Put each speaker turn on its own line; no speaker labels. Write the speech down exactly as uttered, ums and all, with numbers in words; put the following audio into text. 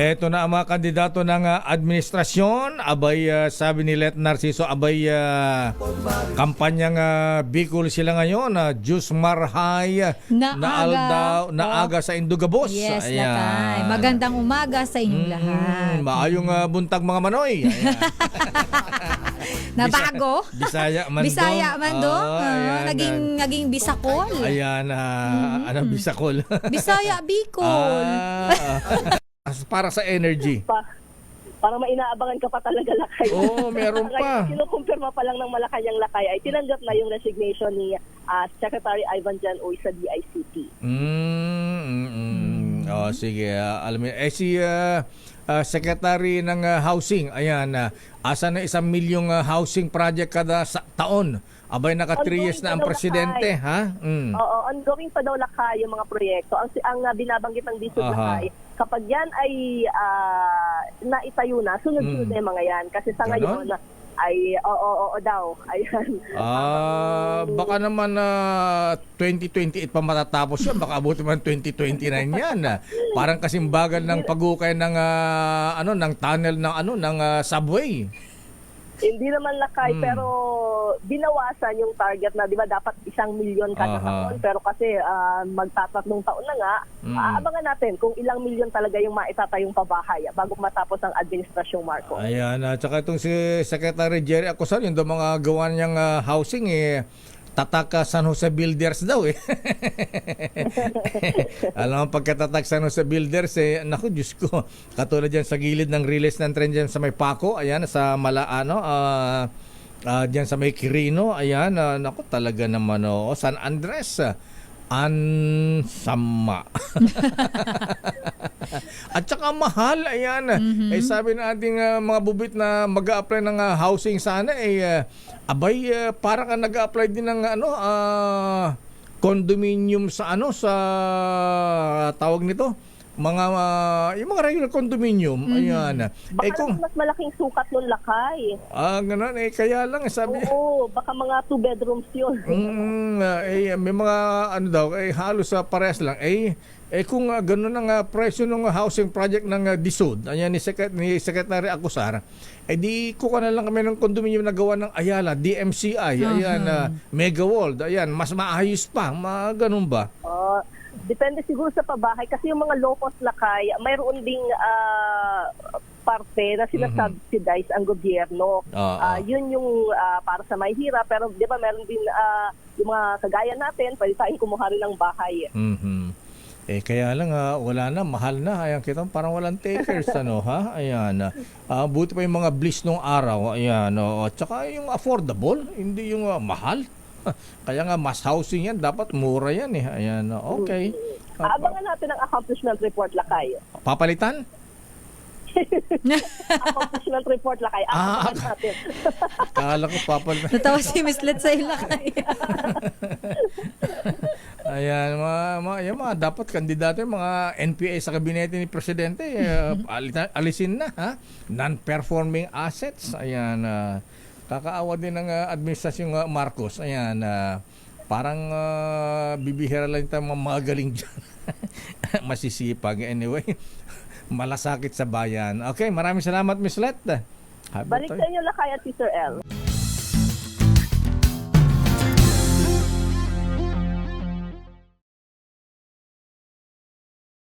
Eto na ang mga kandidato ng ah, administrasyon. Abay, ah, sabi ni Let Narciso, abay, ah, kampanyang ah, Bicol sila ngayon. Uh, Jus Marhay
Na
na
aga.
aldaw, na
Oh.
aga sa Indugabos.
Yes,
Ayan.
Lakay. Magandang umaga sa inyong lahat.
Mm, maayong ah, buntag mga manoy. Ayan.
Nabago?
Bisaya man
Bisaya man do.
Oh,
Ah,
ayan,
naging naging Bisakol.
Ayan, ah, anong Bisakol?
Bisaya Bicol.
Ah, para sa energy.
pa. Para mainaabangan ka pa talaga, Lakay.
Oo, meron pa.
Kinukumpirma pa lang ng Malacanang Lakay ay tinanggap na yung resignation ni ah, Secretary Ivan Jan Uy sa D I C T.
Mm, mm, mm. Oh, sige. ah, alam mo, eh si ah, ah, Secretary ng ah, Housing, ayan, uh, asa na isang milyong ah, housing project kada sa taon. Abay, naka three years na ang
Ongoing pa daw,
presidente, ha? Mm.
Oo, ongoing pa daw, Lakay, yung mga proyekto. Ang, ang ah, binabanggit ng Disod,
Aha.
Lakay, kapag yan ay ah, naitayo na, sunod-sunod
Mm.
na yung mga yan. Kasi sa
Ganon?
ngayon ay oo, oo, oo daw. Ayan.
Ah, baka naman na twenty twenty-eight pa matatapos yan. Baka abuti man twenty twenty-nine yan. ah. Parang kasing bagal ng pagukay ng ah, ano ng tunnel ng ano ng ah, subway.
Hindi naman, Lakay,
Mm.
pero binawasan yung target na, di ba, dapat isang milyon kada
Aha.
taon. Pero kasi ah, magtatatlong taon na nga,
Mm.
aabangan natin kung ilang milyon talaga yung maitatayong pabahay bago matapos ang administrasyong Marcos.
Ayan, at saka itong si Secretary Jerry Acosar, yung daw mga gawa niyang ah, housing, eh, Tataka San Jose Builders daw eh. Alam mo, pagkatatak San Jose Builders, eh, naku, Diyos ko, katulad dyan sa gilid ng release ng tren dyan sa may Paco, ayan, sa Mala, ano, ah, ah, dyan sa may Quirino, ayan, ah, naku, talaga naman, oh, San Andres, ah, Ansama. At saka mahal, ayan.
Mhm.
Eh sabi ng ating ah, mga bubit na mag-a-apply ng ah, housing sana, eh ah, abay ah, parang ah, nag-a-apply din ng ano ah, condominium sa ano sa tawag nito mga ah, yung mga regular condominium, ayan.
Baka
Eh kung
naman mas malaking sukat nun, Lakay.
ah ganun, eh kaya lang eh, sabi
Oo, baka mga two bedrooms yun.
Mm, ah, eh, may mga ano daw, eh, halos sa parehas lang. Eh, eh kung uh, gano'n ang uh, presyo ng uh, housing project ng uh, Disod, ayan ni, Secret, ni Secretary Acosar, eh di kuha na lang kami ng condominium na gawa ng Ayala, D M C I, ayan, uh, Mega World, ayan, mas maayos pa, mga ganun ba?
Oh, depende siguro sa pabahay kasi yung mga low-cost, Lakay, mayroon ding ah, parte na sinasubsidize ang gobyerno.
Oo.
Ah, yun yung ah, para sa may hirap, pero di ba meron din ah, yung mga kagaya natin, pwede tayong kumuha rin ng bahay.
Mhm. Eh kaya lang ah, wala na, mahal na. Ayan, kita mo, parang walang takers ano ha. Ayan. Ah, buti pa yung mga bliss nung araw. Ayan, oh. At saka yung affordable, hindi yung ah, mahal. Kaya nga mas housing yan, dapat mura yan eh. Ayan, oh, okay. Ah,
Abangan natin ang accomplishment report, Lakay.
papalitan?
Accomplishment report, Lakay.
Ah,
Abangan natin.
Kala ko papalitan.
Natawa si Miss Let sa Lakay.
Ayan, mga, mga, yan, mga dapat kandidato yung mga N P A sa kabinete ni Presidente, eh, alita- alisin na, ha? Non-performing assets. Ayan, ah, kakaawa din ng ah, administrasyong ah, Marcos. Ayan, ah, parang ah, bibihira lang tayo mga magaling dyan. Masisipag. Anyway, malasakit sa bayan. Okay, maraming salamat, Miss Let. Habi
Balik
tayo.
sa inyo, Lakay at Sister L.